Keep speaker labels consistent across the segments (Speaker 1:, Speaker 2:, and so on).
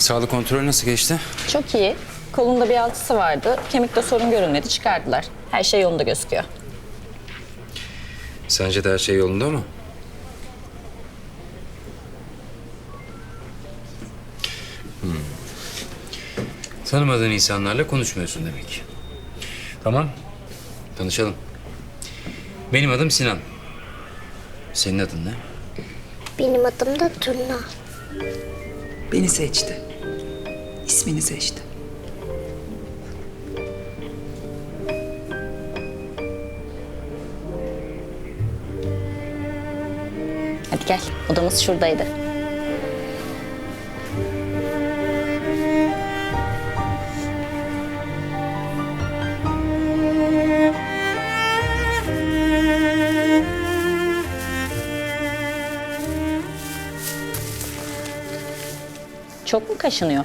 Speaker 1: Sağlık kontrolü nasıl geçti?
Speaker 2: Çok iyi. Kolunda bir altısı vardı. Kemikte sorun görünmedi, çıkardılar. Her şey yolunda gözüküyor.
Speaker 1: Sence de her şey yolunda mı? Tanımadığın insanlarla konuşmuyorsun demek. Tamam, tanışalım. Benim adım Sinan. Senin adın ne?
Speaker 3: Benim adım da Turna.
Speaker 4: Beni seçti. İsmini seçti.
Speaker 2: Hadi gel, odamız şuradaydı. Çok mu kaşınıyor?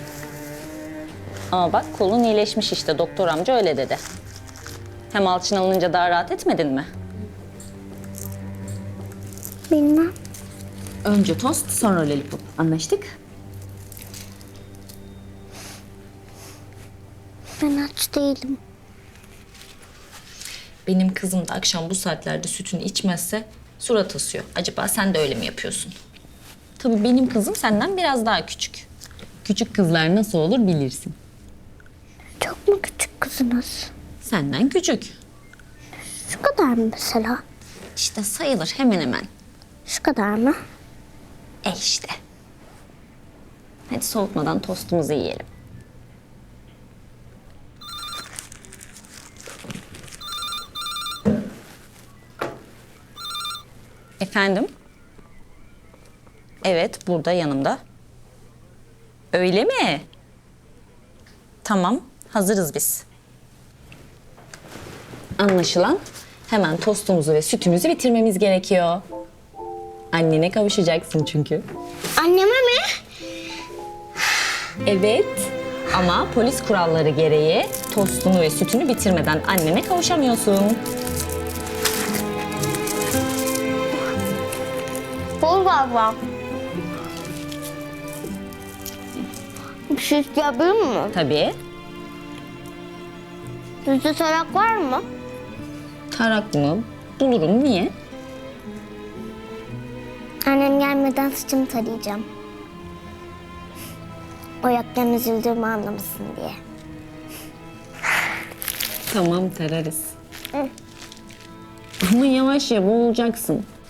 Speaker 2: Ama bak kolun iyileşmiş işte, doktor amca öyle dedi. Hem alçın alınınca daha rahat etmedin mi?
Speaker 3: Bilmem.
Speaker 2: Önce tost, sonra lollipop. Anlaştık?
Speaker 3: Ben aç değilim.
Speaker 2: Benim kızım da akşam bu saatlerde sütünü içmezse surat asıyor. Acaba sen de öyle mi yapıyorsun? Tabii benim kızım senden biraz daha küçük. Küçük kızlar nasıl olur bilirsin.
Speaker 3: Çok mu küçük kızınız?
Speaker 2: Senden küçük.
Speaker 3: Şu kadar mı mesela?
Speaker 2: İşte sayılır hemen hemen.
Speaker 3: Şu kadar mı?
Speaker 2: İşte. Hadi soğutmadan tostumuzu yiyelim. Efendim? Evet, burada yanımda. Öyle mi? Tamam, hazırız biz. Anlaşılan hemen tostumuzu ve sütümüzü bitirmemiz gerekiyor. Annene kavuşacaksın çünkü.
Speaker 3: Anneme mi?
Speaker 2: Evet, ama polis kuralları gereği tostunu ve sütünü bitirmeden annene kavuşamıyorsun.
Speaker 3: Bol galiba. Bir şey isteyebilir miyim?
Speaker 2: Tabii.
Speaker 3: Sizde tarak var mı?
Speaker 2: Tarak mı? Bulurum. Niye?
Speaker 3: Annem gelmeden saçımı tarayacağım. O yokken üzüldüğümü anlamasın diye.
Speaker 2: Tamam, tararız. Ama yavaş ya, boğulacaksın.